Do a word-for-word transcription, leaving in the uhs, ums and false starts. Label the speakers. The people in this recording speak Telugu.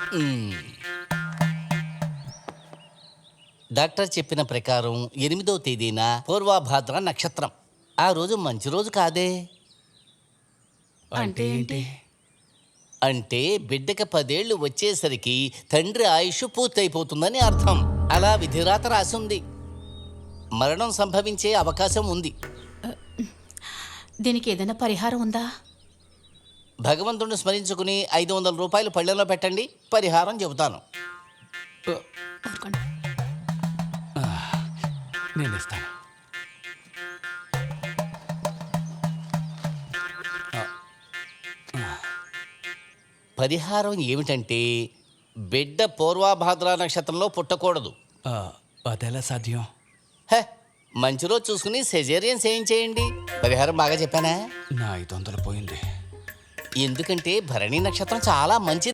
Speaker 1: డాక్టర్ చెప్పిన ప్రకారం ఎనిమిదో తేదీన పూర్వభాద్ర నక్షత్రం. ఆ రోజు మంచి రోజు కాదే.
Speaker 2: అంటే ఏంటి?
Speaker 1: అంటే బిడ్డకి పదేళ్లు వచ్చేసరికి తండ్రి ఆయుష్ పూర్తయిపోతుందని అర్థం. అలా విధిరాత రాసింది. మరణం సంభవించే అవకాశం ఉంది.
Speaker 2: దీనికి ఏదైనా పరిహారం ఉందా?
Speaker 1: భగవంతుడిని స్మరించుకుని ఐదు వందల రూపాయలు పళ్ళెంలో పెట్టండి, పరిహారం చెబుతాను.
Speaker 2: ఊరుకోండి.
Speaker 3: నేను ఇస్తాను.
Speaker 1: పరిహారం ఏమిటంటే బిడ్డ పూర్వభాద్ర నక్షత్రంలో పుట్టకూడదు.
Speaker 3: ఆ, అదెలా సాధ్యం?
Speaker 1: హే, మంచి రోజు చూసుకుని సెజేరియన్ చేయించేయండి. పరిహారం బాగా చెప్పానా?
Speaker 3: నా ఐదు వందలు పోయింది.
Speaker 1: ఎందుకంటే భరణి నక్షత్రం చాలా మంచిది.